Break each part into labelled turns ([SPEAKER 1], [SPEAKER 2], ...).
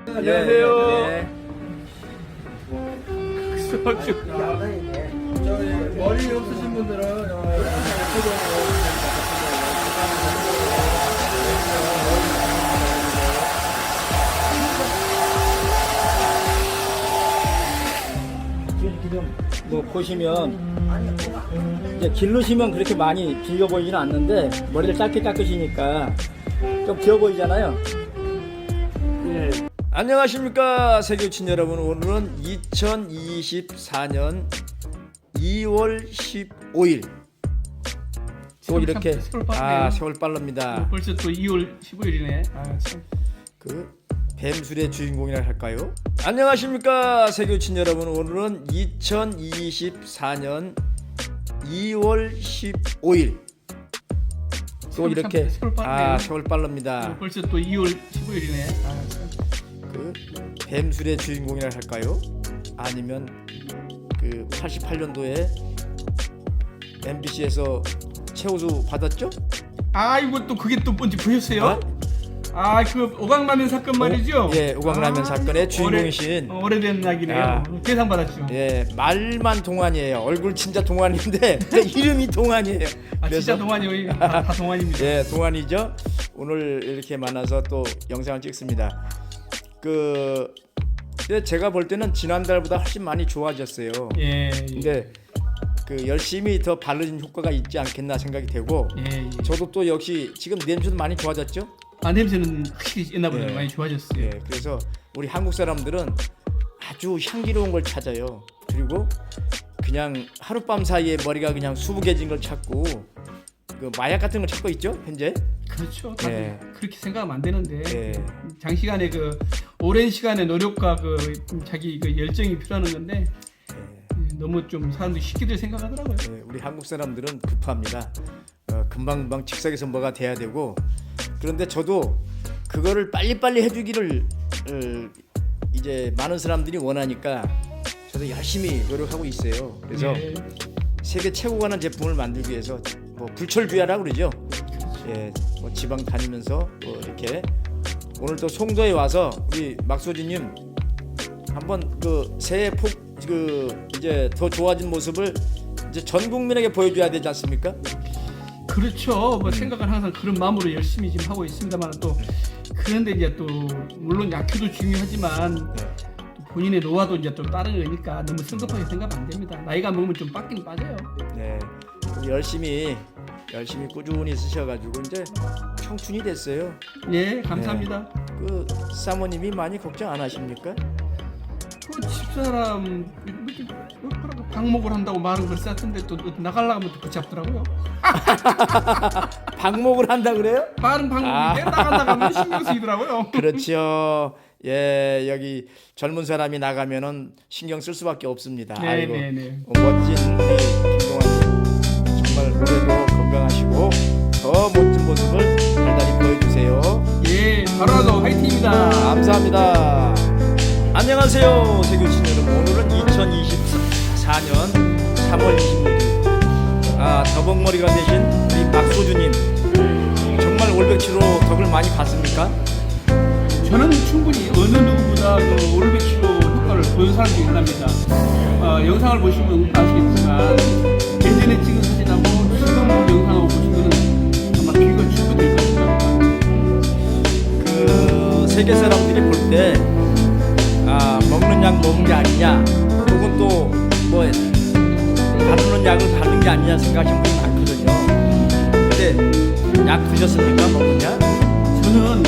[SPEAKER 1] 안녕하세요.
[SPEAKER 2] 예.
[SPEAKER 1] 소주.
[SPEAKER 3] 저기 머리 없으신 분들은
[SPEAKER 2] 지금 뭐 보시면 이제 길르시면 그렇게 많이 길어 보이지는 않는데 머리를 짧게 깎으시니까 좀 길어 보이잖아요.
[SPEAKER 1] 예.
[SPEAKER 4] 안녕하십니까 세교친 여러분. 오늘은 2024년 2월 15일 또 이렇게
[SPEAKER 1] 세월 빠르네요.
[SPEAKER 4] 세월 빠릅니다.
[SPEAKER 1] 벌써 또 2월 15일이네. 참.
[SPEAKER 4] 그 뱀술의 주인공이라 할까요? 안녕하십니까 세교친 여러분. 오늘은 2024년 2월 15일 또 이렇게
[SPEAKER 1] 세월 빠르네요.
[SPEAKER 4] 세월 빠릅니다.
[SPEAKER 1] 벌써 또 2월 15일이네. 참.
[SPEAKER 4] 그 뱀술의 주인공이라 할까요? 아니면 그 88년도에 MBC에서 최우수 받았죠?
[SPEAKER 1] 이거 또 그게 또 뭔지 보셨어요?
[SPEAKER 4] 어?
[SPEAKER 1] 그 오광라면 사건 말이죠?
[SPEAKER 4] 예, 오광라면 사건의 주인공이신
[SPEAKER 1] 오래된 이야기네요. 대상 받았죠.
[SPEAKER 4] 예, 말만 동안이에요. 얼굴 진짜 동안인데 이름이 동안이에요.
[SPEAKER 1] 진짜 동안이요. 다 동안입니다.
[SPEAKER 4] 예, 동안이죠. 오늘 이렇게 만나서 또 영상을 찍습니다. 제가 볼 때는 지난달보다 훨씬 많이 좋아졌어요.
[SPEAKER 1] 예.
[SPEAKER 4] 근데 그 열심히 더 바르는 효과가 있지 않겠나 생각이 되고,
[SPEAKER 1] 예.
[SPEAKER 4] 저도 또 역시 지금 냄새도 많이 좋아졌죠.
[SPEAKER 1] 냄새는 확실히 옛날보다
[SPEAKER 4] 예.
[SPEAKER 1] 많이 좋아졌어요.
[SPEAKER 4] 예, 그래서 우리 한국 사람들은 아주 향기로운 걸 찾아요. 그리고 그냥 하룻밤 사이에 머리가 그냥 수북해진 걸 찾고 그 마약 같은 걸 찾고 있죠 현재.
[SPEAKER 1] 그렇죠. 다들
[SPEAKER 4] 예.
[SPEAKER 1] 그렇게 생각하면 안 되는데
[SPEAKER 4] 예.
[SPEAKER 1] 장시간의 그 오랜 시간의 노력과 그 자기 그 열정이 필요한 건데 너무 좀 사람들이 쉽게들 생각하더라고요.
[SPEAKER 4] 예, 우리 한국 사람들은 급합니다. 금방금방 즉석에서 뭐가 돼야 되고, 그런데 저도 그거를 빨리빨리 해주기를 이제 많은 사람들이 원하니까 저도 열심히 노력하고 있어요. 그래서
[SPEAKER 1] 예.
[SPEAKER 4] 세계 최고가 는 제품을 만들기 위해서 뭐 불철주야라고 그러죠. 예, 뭐 지방 다니면서 또 이렇게 오늘 또 송도에 와서 우리 막소진님 한번 그 새해 이제 더 좋아진 모습을 이제 전 국민에게 보여줘야 되지 않습니까?
[SPEAKER 1] 그렇죠. 뭐 생각은 항상 그런 마음으로 열심히 지금 하고 있습니다만 또 그런데 이제 또 물론 약효도 중요하지만 또 본인의 노화도 이제 또 다른 거니까 너무 성급하게 생각하면 안 됩니다. 나이가 먹으면 좀 빠지긴 빠져요.
[SPEAKER 4] 네, 열심히 꾸준히 쓰셔가지고 이제 청춘이 됐어요.
[SPEAKER 1] 예, 감사합니다.
[SPEAKER 4] 그 사모님이 많이 걱정 안 하십니까?
[SPEAKER 1] 그 집사람 이렇게 방목을 한다고 말은 글쎄 같은데 또 나가려고 하면 또 붙잡더라고요.
[SPEAKER 4] 방목을 한다 그래요?
[SPEAKER 1] 빠른 방목인데 나간다고 신경 쓰이더라고요.
[SPEAKER 4] 그렇죠. 예, 여기 젊은 사람이 나가면은 신경 쓸 수밖에 없습니다. 아이고, 멋진 우리 김동환님 정말 올해도 건강하시고 더 멋진 모습을 달달이 보여주세요.
[SPEAKER 1] 예, 바로라도 화이팅입니다.
[SPEAKER 4] 감사합니다. 안녕하세요 세교친 여러분. 오늘은 2024년 3월 26일 더벅머리가 되신 우리 박소주님 정말 올백치로 덕을 많이 봤습니까?
[SPEAKER 1] 저는 충분히 어느 누구보다 그 올백치로 효과를 보는 사람이 있답니다. 영상을 보시면 아시겠지만 예전에 찍은 사진하고 지금 영상하고 보시면 아마 비교가 충분히 될 겁니다.
[SPEAKER 4] 그 세계 사람들이 볼 때 먹는 약 먹은 게 아니냐, 혹은 또 뭐 바르는 약을 바른 게 아니냐 생각하시는 분이 많거든요. 근데 약 드셨습니까? 먹는 약?
[SPEAKER 1] 저는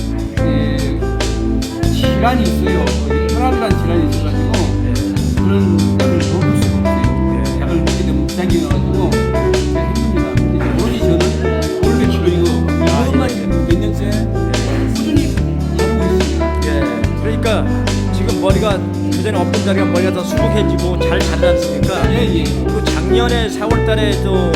[SPEAKER 1] 질환이 있어요. 혈압이라는 질환이 있어가지고 그런 약을 먹을 수가 없어요. 약을 먹게 되면 부작용이 나가지고 힘듭니다. 오로지 저는 올백치로 이것만 몇 년째 꾸준히 하고 있습니다.
[SPEAKER 4] 예, 그러니까 지금 머리가 그전에 없던 자리가 머리가 더 수북해지고 잘 자라지 않습니까?
[SPEAKER 1] 예.
[SPEAKER 4] 그 작년에 4월달에 또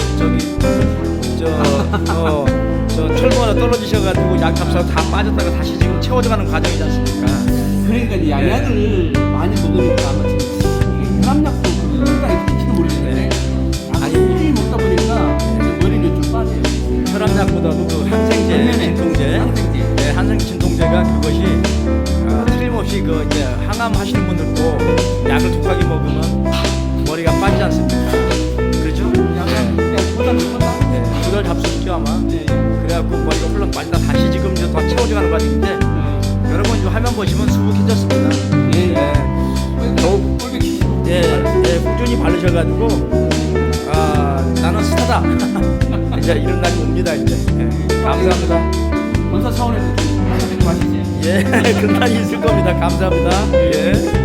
[SPEAKER 4] 저 철분 하나 떨어지셔가지고 약 값하고 다 빠졌다가 다시 지금 채워져가는 과정이지 않습니까?
[SPEAKER 1] 그러니까 이 약을 많이 먹으니까 아마 지금 혈압약도 그거가 있을지 모르겠는데 약을 꾸준히 먹다 보니까 머리는 좀 빠져요.
[SPEAKER 4] 혈압약보다도 그 항생제, 진통제,
[SPEAKER 1] 항생제.
[SPEAKER 4] 네, 항생 진통제가 그것이 그 이제 항암 하시는 분들도 약을 독하게 먹으면 머리가 빠지지 않습니까? 그렇죠?
[SPEAKER 1] 약간 그냥 보다 넘었다.
[SPEAKER 4] 네, 그걸 잡수있죠 아마.
[SPEAKER 1] 네.
[SPEAKER 4] 그래갖고 머리가 훌렁 빠지다 다시 지금 이제 더 채워져가는 과정인데 여러분 이 화면 보시면 수북해졌습니다.
[SPEAKER 1] 예.
[SPEAKER 4] 예. 더욱
[SPEAKER 1] 꼴배 키시고.
[SPEAKER 4] 예, 예, 꾸준히 바르셔가지고 나는 스타다. 이제 이런 날이 옵니다 이제. 예, 감사합니다.
[SPEAKER 1] 본사 차원에서 좀 하시지.
[SPEAKER 4] 예, 그날이 있을 겁니다. 감사합니다. 예.